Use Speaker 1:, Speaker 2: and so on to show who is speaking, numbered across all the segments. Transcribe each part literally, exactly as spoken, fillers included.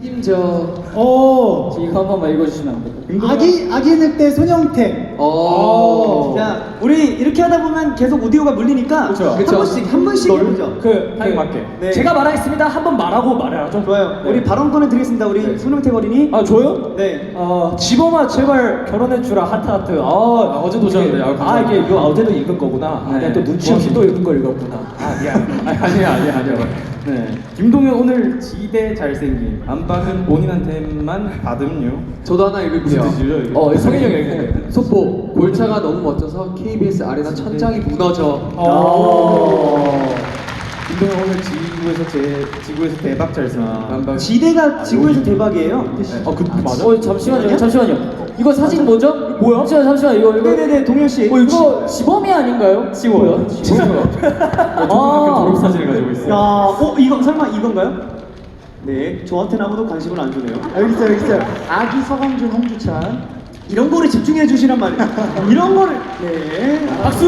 Speaker 1: 책임져.
Speaker 2: 오.
Speaker 3: 이거 한 번만 읽어주시면 안 돼요?
Speaker 2: 아기 아기 늑대 손영택.
Speaker 1: 어.
Speaker 4: 자, 우리 이렇게 하다 보면 계속 오디오가 물리니까
Speaker 3: 그쵸.
Speaker 4: 한
Speaker 1: 그쵸.
Speaker 4: 번씩 한 번씩 해보죠.
Speaker 3: 그
Speaker 5: 타임 맞게.
Speaker 4: 네.
Speaker 3: 제가 말하겠습니다. 한 번 말하고 말해야죠.
Speaker 4: 좋아요.
Speaker 3: 네.
Speaker 4: 우리 발언권을 드리겠습니다. 우리
Speaker 1: 네.
Speaker 4: 손흥택 어린이.
Speaker 3: 아 저요?
Speaker 4: 네.
Speaker 3: 아 지범아 제발 결혼해주라 하트 하트. 아, 아
Speaker 5: 어제도 오셨는데, 아,
Speaker 3: 아
Speaker 5: 감사합니다.
Speaker 3: 이게 이거 어제도 읽은 거구나. 아,
Speaker 5: 네.
Speaker 3: 내가 또 눈치 없이 또 읽은 걸 읽었구나. 아 미안.
Speaker 5: 아니, 아니에요, 아니에요, 아니에요. 네. 김동현 오늘 지대 잘생김. 안방은 본인한테만 받음요.
Speaker 1: 저도 하나 읽을게요.
Speaker 5: 무슨 뜻이죠, 이거?
Speaker 1: 어, 성현이 형이 읽을게요. 속보. 골차가 너무 멋져서 케이비에스 아레나 천장이 무너져.
Speaker 3: 어.
Speaker 5: 김동현 오늘 지구에서 제 지구에서 대박 잘생김. 안방.
Speaker 4: 지대가 지구에서 대박이에요.
Speaker 5: 네. 어, 그 맞아?
Speaker 3: 어 잠시만요. 잠시만요. 이거 사진 뭐죠? 뭐야? 잠시만 잠시만 이거 이거.
Speaker 4: 네네네, 동현 씨.
Speaker 3: 어 이거 지범이 아닌가요?
Speaker 5: 지워요. 지워요. 초등학교 졸업 사진을 가지고
Speaker 4: 야,
Speaker 5: 있어요.
Speaker 4: 어 이거 설마 이건가요? 네, 저한테는 아무도 관심을 안 주네요.
Speaker 2: 여기 있어요, 여기 있어요. 아기 서광준 홍주찬.
Speaker 4: 이런 거를 집중해 주시란 말이에요. 이런 거를 네.
Speaker 3: 박수.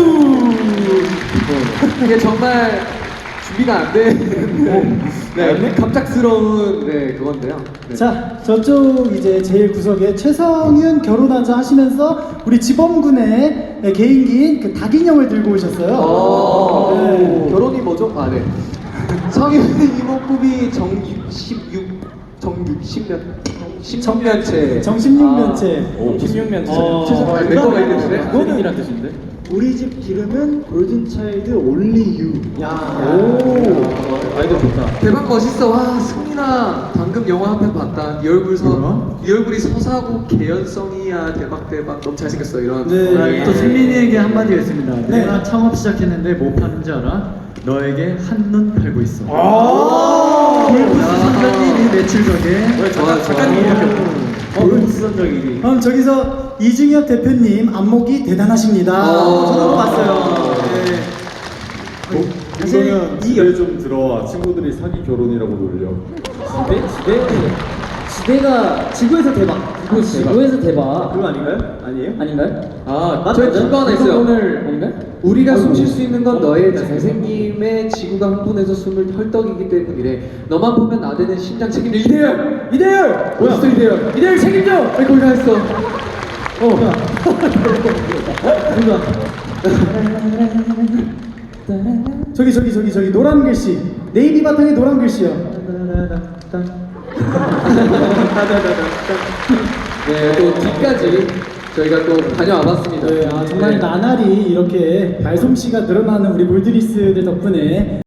Speaker 1: 이게 정말 준비가 안 되는 네, 갑작스러운 네, 그건데요. 네.
Speaker 2: 자, 저쪽 이제 제일 구석에 최성윤 결혼하자 하시면서 우리 지범군의 개인기인 그 닭인형을 들고 오셨어요.
Speaker 1: 어,
Speaker 2: 네.
Speaker 1: 결혼이 뭐죠? 아, 네. 성인 이목구비 정육십육 정육십 년 십년째
Speaker 2: 정십육 년째.
Speaker 5: 오, 십육 년째.
Speaker 2: 어,
Speaker 1: 최소 내 거가 있는데.
Speaker 5: 그거는 뜻인데?
Speaker 2: 우리 집 기름은 골든차일드 올리 유.
Speaker 4: 야.
Speaker 5: 오. 아이디어 좋다.
Speaker 1: 대박 멋있어. 와, 승민아 방금 영화 한 편 봤다. 네 얼굴 서,
Speaker 2: 뭐야?
Speaker 1: 네 얼굴이 서사고 개연성이야. 대박 대박. 너무 잘생겼어. 이런.
Speaker 2: 네.
Speaker 6: 또 승민이에게 한마디가 있습니다.
Speaker 2: 네.
Speaker 6: 내가 창업 시작했는데 뭐 파는지 알아? 너에게 한눈 팔고 있어.
Speaker 2: 아.
Speaker 6: 골프스 선전 일 위 매출적에
Speaker 1: 좋아,
Speaker 5: 작가님이
Speaker 6: 골프스 선전 일 위.
Speaker 2: 그럼 저기서 이중엽 대표님 안목이 대단하십니다.
Speaker 1: 어.
Speaker 4: 저도 봤어요. 네.
Speaker 2: 사실 이
Speaker 7: 집에 좀 들어와. 친구들이 사기 결혼이라고 놀려.
Speaker 3: 지대 지대 지대가 지구에서 대박. 지구 지구에서 대박.
Speaker 4: 그거 아닌가요? 아니에요?
Speaker 3: 아닌가요?
Speaker 1: 아, 저희 그거 하나 있어요.
Speaker 3: 오늘 아닌가요?
Speaker 1: 우리가 숨 쉴 수 있는 건 너의 잘생김에 지구가 흥분해서 숨을 헐떡이기 때문이래. 너만 보면 나대는 심장 책임져. 이대열! 이대열! 어딨어 이대열? 이대열 책임져! 왜 거기 가 있어? 어.
Speaker 2: 저기 저기 저기 저기 노란 글씨 네이비 바탕에 노란 글씨요.
Speaker 1: 네, 또 뒤까지 저희가 또 다녀와봤습니다.
Speaker 2: 네, 아, 정말 나날이 이렇게 발솜씨가 늘어나는 우리 몰드리스들 덕분에